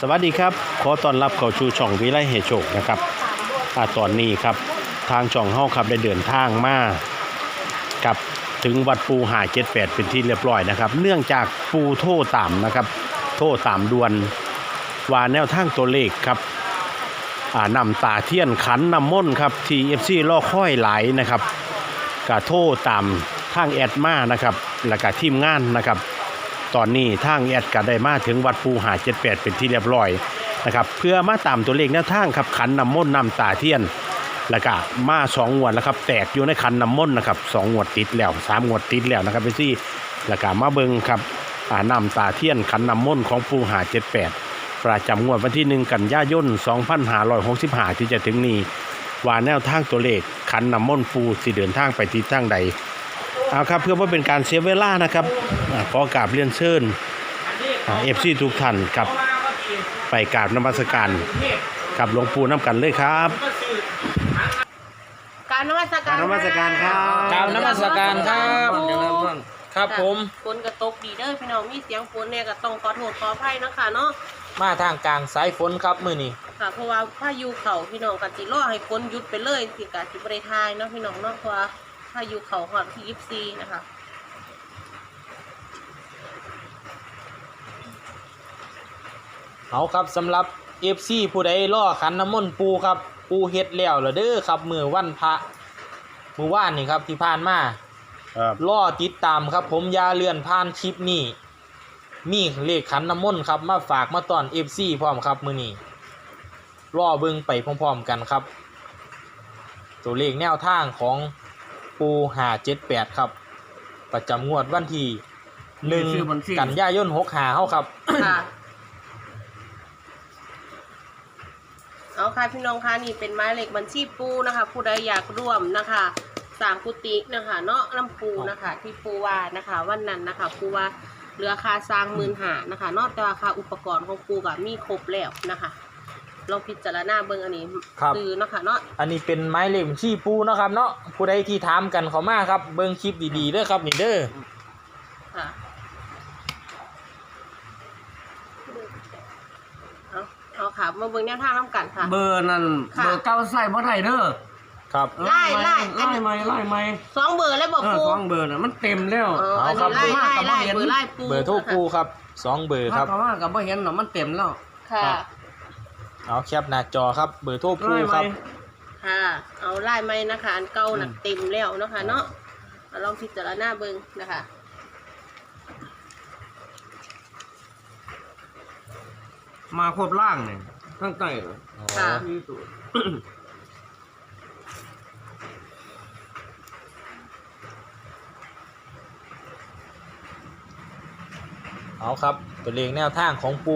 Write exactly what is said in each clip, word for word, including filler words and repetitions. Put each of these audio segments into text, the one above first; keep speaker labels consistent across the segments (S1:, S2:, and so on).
S1: สวัสดีครับขอต้อนรับเข้าสู่ช่องวิไลเฮโชคนะครับอ่าตอนนี้ครับทางช่องเฮาครับได้เดินทางมากับถึงวัดปูหาเจ็ดแปดเป็นที่เรียบร้อยนะครับเนื่องจากปูโทรตามนะครับโทรตามด่วนว่าแนวทางตัวเลขครับอ่านำตาเทียนขันนำม่นครับที่ เอฟ ซี ล่อค่อยหลายนะครับก็โทรตามทางแอดมานะครับแล้วก็ทีมงานนะครับตอนนี้ทางแอดก็ได้มาถึงวัดปูหาเจ็ดแปดเป็นที่เรียบร้อยนะครับเพื่อมาตามตัวเลขแนวทางครับขันนำม่นนำตาเทียนแล้วก็มาสองงวดแล้วครับแตกอยู่ในขันน้ำมนต์นะครับสองงวดติดแล้วสามงวดติดแล้วนะครับพี่ซี่แล้วก็มาเบิ่งครับอ่านำตาเทียนขันน้ำมนต์ของปูหาเจ็ดแปดประจำงวดวันที่หนึ่งกันยายนสองพันห้าร้อยหกสิบห้าที่จะถึงนี้ว่าแนวทางตัวเลขขันน้ำมนต์ปูสิเดินทางไปทิศทางใดเอาครับเพื่อว่าเป็นการเสียเวลานะครับขอกราบเรียนเชิญเอฟซีทุกท่านครับไปกราบนมัสการกับหลวงปู่น้ำกันเลยครับ
S2: กราบนมัสการ
S1: นมัสการครับ
S3: กราบนมัสการครับครับผม
S2: ฝนกระตกดีเด้อพี่น้องมีเสียงฝนเนี่ยก็ต้องขอโทษขออภัยนะคะเนาะ
S3: มาทางกลางสายฝนครับมื้อนี้
S2: ค่ะเพราะว่าพายุเข้าพี่น้องกันสิรอให้ฝนหยุดไปเลยสิกะสิบ่ได้ทายเนาะพี่น้องเนาะเพราะว่าพายุเข้าฮอดที่ยี่สิบสี่นะคะ
S3: เอาครับสำหรับ เอฟ ซี ผู้ใดรอขันน้ำมนต์ปูครับปูเฮ็ดแล้วล่ะเด้อครับมื้อวันพระมื้อวานนี่ครับที่ผ่านมา
S1: ครับ
S3: รอติดตามครับผมอย่าเลื่อนผ่านคลิปนี้มีเลขขันน้ำมนต์ครับมาฝากมาตอน เอฟ ซี พร้อมครับมื้อนี้รอเบิ่งไปพร้อมๆกันครับตัวเลขแนวทางของปูห้าเจ็ดแปดครับประจำงวดวันที่หนึ่งกันยายนหกสิบห้าเฮาครับ
S2: ค่ะเอาค่ะพี่น้องคะนี่เป็นหมายเลขบัญชีปูนะคะผู้ใดอยากร่วมนะคะสร้างกุฏินะคะเนาะน้ำปูนะคะที่ปูว่านะคะวันนั้นนะคะปูว่าเหลือค่าสร้างหมื่นหานะคะนอกจากราคาอุปกรณ์ของปูกับมีครบแล้วนะคะลองพิจารณาเบิ่งอันนี้คือนะคะเนาะ
S3: อันนี้เป็นหมายเลขบัญชีปูเนาะครับเนาะผู้ใดที่ถามกันเข้ามาครับเบิ่งคลิปดีๆเด้อครับนี่เด้อ
S2: ค่ะเอาค่ะมาเบิ่งแนวทางน้ำกันค่ะ
S4: เบอร์นั่นเบอร์เก้าใส่บ่ได้เด้อ
S3: ครับ
S2: ไล่ไล่
S4: ไล่ไหมไล่ไหม
S2: สองเบอร์แล้วบอกปู
S4: สองเบอร์น่ะมันเต็มแล้ว
S2: เอาครับไล่ไล่ไล่เบอร์ไล่ปู
S3: เบอร์โทรปูครับสองเบอร์ครับ
S4: ถ้าว่ากับบ่เห็นเนาะมันเต็มแล้ว
S2: ค่ะ
S3: เอาแคปหน้าจอครับเบอร์โทรปูครับ
S2: ค่ะเอาไล่ไหมนะคะอันเก่าหนักเต็มแล้วนะคะเนาะลองพิจารณาเบิ่งนะคะ
S4: มาครบล่างเนี่ยตั้งใจ
S2: ค่ะ
S3: เอาครับตัวเลขแนวทางของปู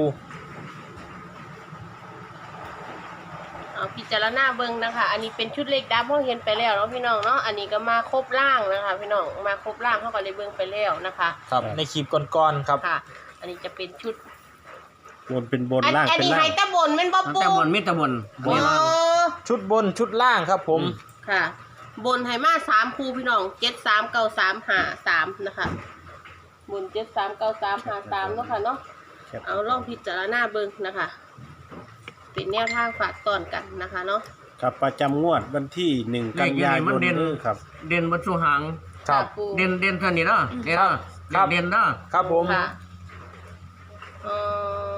S2: เอาพิจารณาเบิ่งนะคะอันนี้เป็นชุดเล็กดับเขาเห็นไปแล้วเนาะพี่น้องเนาะอันนี้ก็มาครบล่างนะคะพี่น้องมาครบล่างเขาก็เลยเบิ่งไปแล้วนะคะ
S3: ครับในคลิปก่อนๆครับ
S2: ค่ะอันนี้จะเป็นชุด
S1: บนเป็นบนล่างเป็นล่าง
S2: อันนี้ไฮตะบนเป็นบ๊อบปู
S4: ตะบนมิตะบน
S3: ชุดบนชุดล่างครับผม
S2: ค่ะบนไฮมาสามคู่พี่น้องเจ็ดสามเก้าสามห้าสามนะคะบนเจ็ดสามเก้าสามห้าสามเนาะค่ะเนาะเอาลองพิจารณาเบิ่งนะคะเป็นแนวทางฝากตอนกันนะคะเนาะ
S1: ครับประจำงวดวันที่หนึ่งกันยายนนี้ครับ
S4: เด่นวัตถุหาง
S3: ครับ
S4: เด่นเด่นเท่านี้เนาะเด่นเด่นเนาะ
S3: ครับผม
S2: ค่ะเออ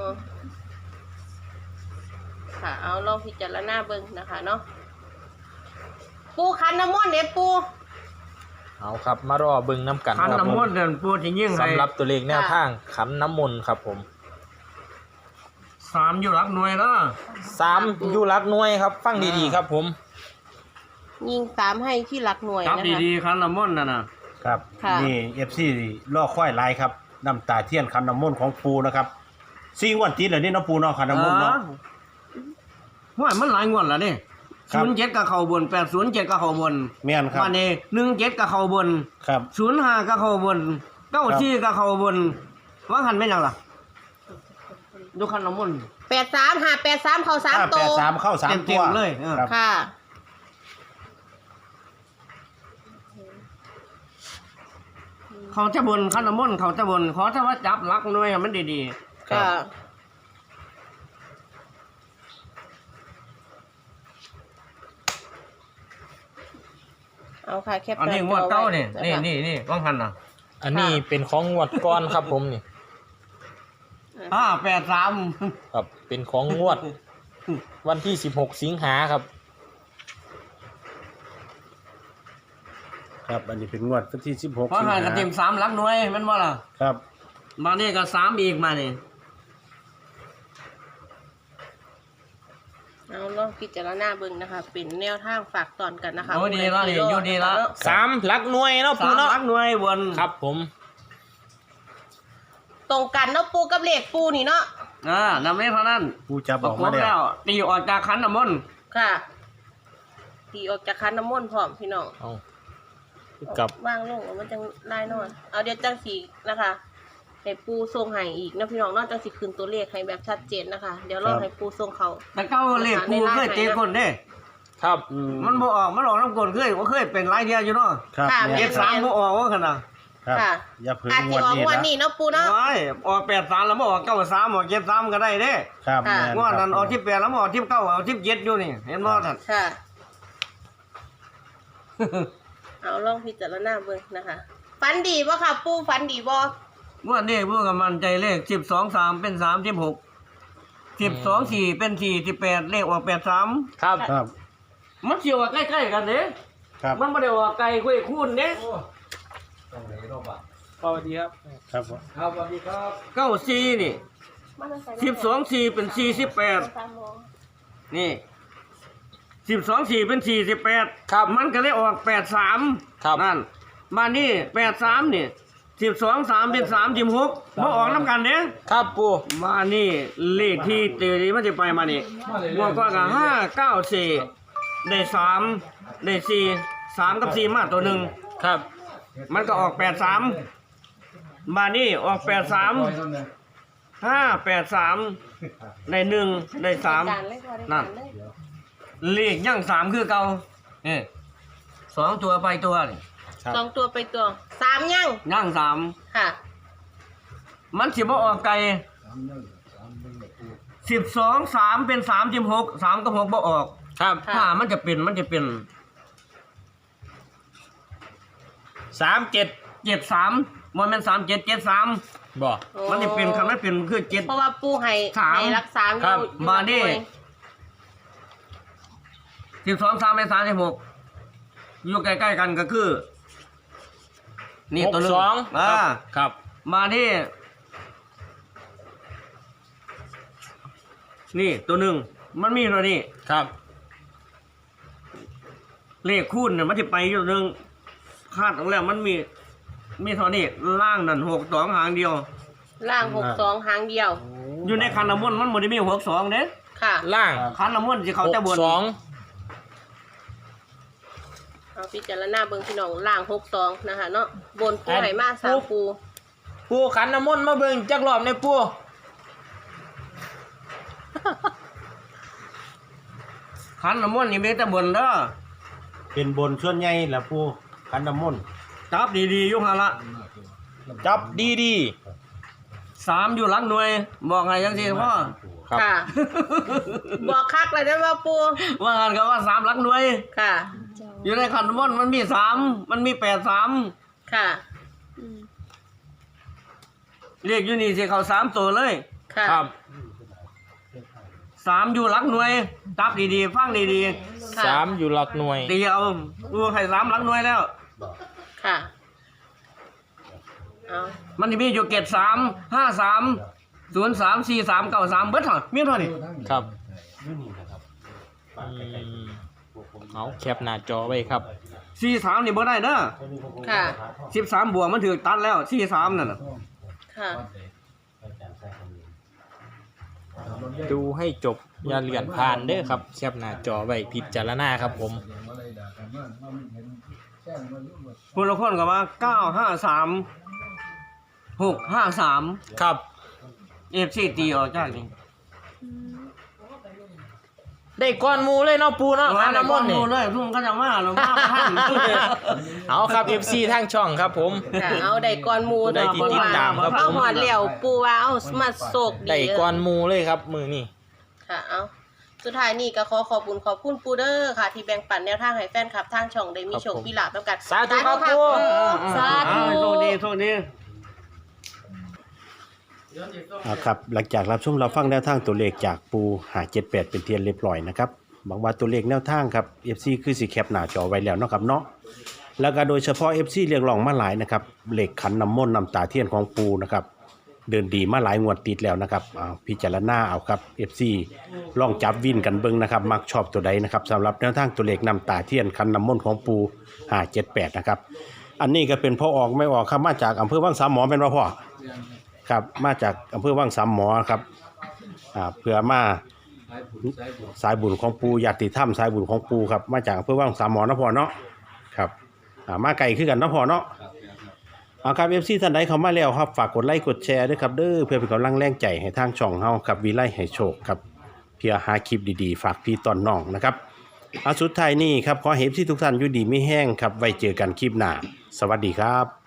S2: ค่ะเอาลองพิจารณาเบิ่งนะคะเนาะปูขันน้ำมนต์เด็ดปู
S3: เอาครับมารอเบิ่งน้ำกัน
S4: ขันน้ำมนต์เดินปูจะยิ่ง
S3: สำหรับตัวเลขแนวทางขันน้ำมนต์ครับผม
S4: สามอยู่หลักหน่วยเนาะ
S3: สามอยู่หลักหน่วยครับฟังดีๆครับผม
S2: ยิงสามให้ที่หลักหน่วย
S4: นะครับดีๆขันน้ำมนต์น่ะนะครับ
S1: นี่ เอฟ ซี ล่อค่อยไลน์ครับน้ำตาเทียนขันน้ำมนต์ของปูนะครับสี่งวดติดเลยนี่น้องปูเนาะขันน้ำมนต์เนาะ
S4: ว่ามันหลายงวดแล้วนี่ศูนย์เจ็ดกับเข่าบนแปดศูนย์เจ็ดกับเข่าบน
S1: แม่นครับ
S4: วันนี้หนึ่งเจ็ดกับเข่าบน
S1: ครับ
S4: ศูนย์ห้ากับเข่าบนเก้าสี่กับเข่าบนว่าหันไม่ยังล่ะดูขันน้ำมนต์
S2: แปดสามห้าแปดสามเข้าสามตัว
S1: แปดสามเข้าสามตัว
S4: เลย
S2: ค่ะ
S4: เขาจะบนขันน้ำมนต์เขาจะบนขอถ้าว่าจับลักหน่วยมันดี
S2: ๆค่ะเอาค่ะแคป
S4: อันนี้งวดเก้านี่นี่นี่นี่ว่างหันน่ะ
S3: อันนี้เป็นของงวดก้อนครับผมนี่
S4: ห้าแปดสาม
S3: ครับเป็นของงวด วันที่สิบหกสิงหาครับ
S1: ครับอันนี้เป็นงวดวันที่สิบหก
S4: ว่างหันกับเต็มสามหลักหน่วยแมันว่าล่ะ
S1: ครับ
S4: มานี่ก็สามอีกมานี่
S2: เอาลองพิจารณาเบิ่งนะคะ เป็นแนวทางฝากตอนกันนะคะ
S4: โอ้ดีแล้วนี่อยู่ดีแล้ว
S3: สามหลักหน่วยเนาะ
S4: สา
S3: ปู
S4: ม
S3: เนาะ
S4: หลักหน่วยบน
S3: ครับผม
S2: ตรงกันเนาะปูกับเลขปูนี่เนาะ
S4: อ่านำนี้เท่านั้น
S1: ปูจะบ
S4: ป
S1: อ
S4: ระ
S1: ก
S4: ก
S1: มา
S4: บ
S1: แล้
S4: แล้ว วตีออกจากขันน้ำมนต์
S2: ค่ะตีออกจากคันน้ำมนต์พร้อมพี่น้อง
S3: เอากับ
S2: ว่างลงเอามันจังได้นอนเอาเดี๋ยวจังสีนะคะให้ปูทรงให้อีกนะพี่น้องเนอกจังสีคืนตัวเลขให้แบบชัดเจนนะคะ เดี๋ยวรอให้ปูทรงเขา
S4: แต่เก้าเลขกูเคยเตะคนเด้
S3: ครับ
S1: อืม
S4: มันบ่ออกมันออกน้ำกลนเคยว่าเคยเป็นหลายเดียวอยู่เนาะ
S1: ครับ
S2: ค่ะ
S1: แม่
S4: เจ็ดสามบ่ออกว่าขนาด
S1: ครับ
S2: ค่ะ
S1: อย่าเพิ่ง
S2: อาจ
S1: ง
S2: จะ
S1: วด
S2: ออก
S1: นี้
S2: งวัน
S1: นะ
S2: นี้เนาะปูเนาะ
S4: ว้ายออกแปดสามแล้วบ่ออกเก้าสามออกเจ็ดสามก็ได้เด้
S1: ครับ
S2: ค่ะ
S1: แม่
S4: งวดนั้นออกที่แปดแล้วบ่ออกที่เก้าเอาที่เจ็ดอยู่นี่เห็นบ่ท่าน
S2: ค่ะ เอาลองพิจารณาเบิ่งนะคะฟันดีบ่ค่ะ ปูฟันดีบ่
S4: งวดนี้พวกกับมันใจเลขสิบสองสามเป็นสามสิบหกสิบสองสี่เป็นสี่สิบแปดเลขออกแปดสาม
S3: ครับ
S1: ครับ
S4: มันเสียวใกล้ๆกันเด้
S1: ครับ
S4: มันไม่ได้ออกไกลคุยคูณเด้
S3: สวัสดีครับ
S1: ครับ
S3: ครับสวัสดีครับ
S4: เก้าสี่นี่สิบสองสี่เป็นสี่สิบแปดนี่สิบสองสี่เป็นสี่สิบแปด
S3: ครับ
S4: มันก็เลยออกแปดสาม
S3: ครับ
S4: นั่นมานี่แปดสามนี่สิบสองสามเป็นสามสิบหกมาออกน้ำกันเด้
S3: ครับปู
S4: มานี่เลขที่เตรีมันจะไปมานี่งวดก่อนก็ห้าเก้าสี่ได้สามได้สี่สามกับสี่มาตัวหนึ่ง
S3: ครับ
S4: มันก็ออกแปดสามมานี่ออกแปดสามห้าแปดสามได้หนึ่งได้สาม
S2: การเลยค่ะได้
S4: นั่
S2: กาน รเลย
S4: เลขย่างสามคือเก่าเออสองตัวไปตัวนี่
S1: ครับ
S2: สองตัวไปตัวสามยัง
S4: ย่างสาม
S2: ค่ะ
S4: มันสิบ่ออกไกลสิบสองสามเป็นสามสิบหกสามกับหกบ่ออก
S3: ครับ
S2: ค่ะ
S4: ถ้ามันจะเป็นมันจะเป็น
S3: สามเจ็ด
S4: เจ็ดสามมันเป็นสามเจ็ดเจ็ดสาม
S3: บอก
S4: มันจะเป็นคำนั้นเป็นคือเจ็ด
S2: เพราะว่าปูให้
S4: สาม
S2: ให้รักษาอยู่
S3: ครับ
S2: อยู่
S4: มาดิ
S2: ด้วย
S4: สิบสองสามเป็นสามสิบหกอยู่ใกล้ๆกันก็คือ นี่
S3: หก
S4: ตัวหนึง
S3: สอง
S4: อ่า
S3: ครับ
S4: มาที่นี่ตัวหนึ่งมันมีตัวนี้
S3: ครับ
S4: เลขคูณเนี่ยมันจะไปอยู่หนึ่งคาดของแล้วมันมี มีเท่านี้ล่างนั่นหกสองหางเดียว
S2: ล่างหกสองหางเดียว
S4: อยู่ในคันน้ำมนต์มันบ่ได้มีหกสองเด้
S2: ค่ะ
S3: ล่าง
S4: คันน้ำมนต์ที่เขา
S3: ห
S4: จะ
S3: ก
S4: บน
S3: สอง
S2: เอาพิจารณาเบิ่งพี่น้องล่างหกสองนะคะเนาะบนปู
S3: อัน
S2: ไหมาสามปู
S3: ปูขันน้ำมนต์มาเบิ่งจักรอบในปู
S4: คันน้ำมนต์นี่มีแต่บนเด้อ
S1: เป็นบนส่วนใหญ่แหละปูขันน้ำมนต์
S4: จับดีๆอยุหาละ
S3: จับดีดี
S4: สามอยู่หลังหน่วย บอกไงยังสิพ่อ
S3: ๆครับ
S2: ค่ะ บอกคักเลยนะว่าปู
S4: ว่างันก็ว่าสามหลังหน่วย
S2: ค่ะ
S4: อยู่ในคันน้ำมนต์มันมีสามมันมีแปดสาม
S2: ค่ะ
S4: เรียกอยู่นี่สิเขาสามตัวเลย
S2: ค่ะ
S3: ครับ
S4: สามอยู่หลักหน่วยจับดีๆฟังดี
S2: ค่ะ
S3: สามอยู่หลักหน่วย
S4: ๆตีเอาดูให้สามหลักหน่วยแล้ว
S2: ค่ะ เอา
S4: มันจะมีอยู่เกตสามห้าสามศูนย์สามสี่สามเก้าสามเบิดเท่ามีเท่านี้
S3: ครับอืมเอาแคปหน้าจอไว้ครับ
S4: สี่สามนี่บ่ได้เด้อ
S2: ค่ะ
S4: สิบสามบวกมันถือตัดแล้วสี่สามนั่นน่ะ
S2: ค่ะ
S3: ดูให้จบอย่าเลื่อนผ่านเด้อครับแคปหน้าจอไว้พิจารณาครับผม
S4: คนละคนก็ว่าเก้าห้าสามหกห้าสาม
S3: ครับ
S4: เอฟซีตีออกจากนี่
S3: ได้ก้อนหมูเลยเนาะปูเนาะ
S4: ว่า
S3: ขัน
S4: แต่
S3: น้ำม
S4: ก้อน น
S3: ต์นี่
S4: ดูเลยทุ่มก็จะมาหรือมาท่าน
S3: เอาครับ เอฟ ซี ทางช่องครับผม
S2: ค่ะ เอาได้ก่อนหมู
S3: ได้ที่ติดตามครับ
S2: เอา
S3: ผม
S2: หอดเหลี่ยวปูว่าเอามาโศกดี
S3: ได้ก้อนหมูเลยครับมือนี่
S2: ค่ะ เอาสุดท้ายนี่ก็ขอขอบคุณขอบคุณปูเดอร์ค่ะ ที่แบ่งปันแนวทางให้แฟนคลับทางช่องได้มีโชคมีลาภนำกัน
S3: สาธุครับปู
S2: สาธุ
S4: โชคดีโชคดี
S1: อ่าครับหลังจากรับชมเราฟังแนวทางตัวเลขจากปูหาเจ็ดแปดเป็นเทียนเรียบร้อยนะครับหวังว่าตัวเลขแนวทางครับ เอฟ ซี คือสิแคปหน้าจอไว้แล้วเนาะครับเนาะแล้วก็โดยเฉพาะ เอฟ ซี เรียกร้องมาหลายนะครับเลขขันน้ำมนต์น้ำตาเทียนของปูนะครับเดินดีมาหลายงวดติดแล้วนะครับอ่าพิจารณาเอาครับ เอฟ ซี ลองจับวินกันเบิ่งนะครับมักชอบตัวใดนะครับสำหรับแนวทางตัวเลขน้ำตาเทียนขันน้ำมนต์ของปูหาเจ็ดแปดนะครับอันนี้ก็เป็นพ่อออกไม่ออกครับมาจากอำเภอวังสามหมอเป็นว่าพ่อ ครับมาจากอำเภอวังสามหมอครับอ่าเพื่อมาสายบุญของปูญาติธรรมสายบุญของปูครับมาจากอำเภอวังสามหมอนะพ่อเนาะครับอ่ามาไกลขึ้นกันนะพ่อเนาะเอาครับเอฟซีท่านใดเข้ามาแล้วครับฝากกดไลค์กดแชร์ด้วยครับเด้อเพื่อเป็นกำลังแรงใจให้ทางช่องเฮาครับวิไลให้โชคครับเพื่อหาคลิปดีๆฝากพี่ตอนน้องนะครับเอาสุดท้ายนี่ครับขอให้เอฟซีทุกท่านอยู่ดีไม่แห้งครับไว้เจอกันคลิปหน้าสวัสดีครับ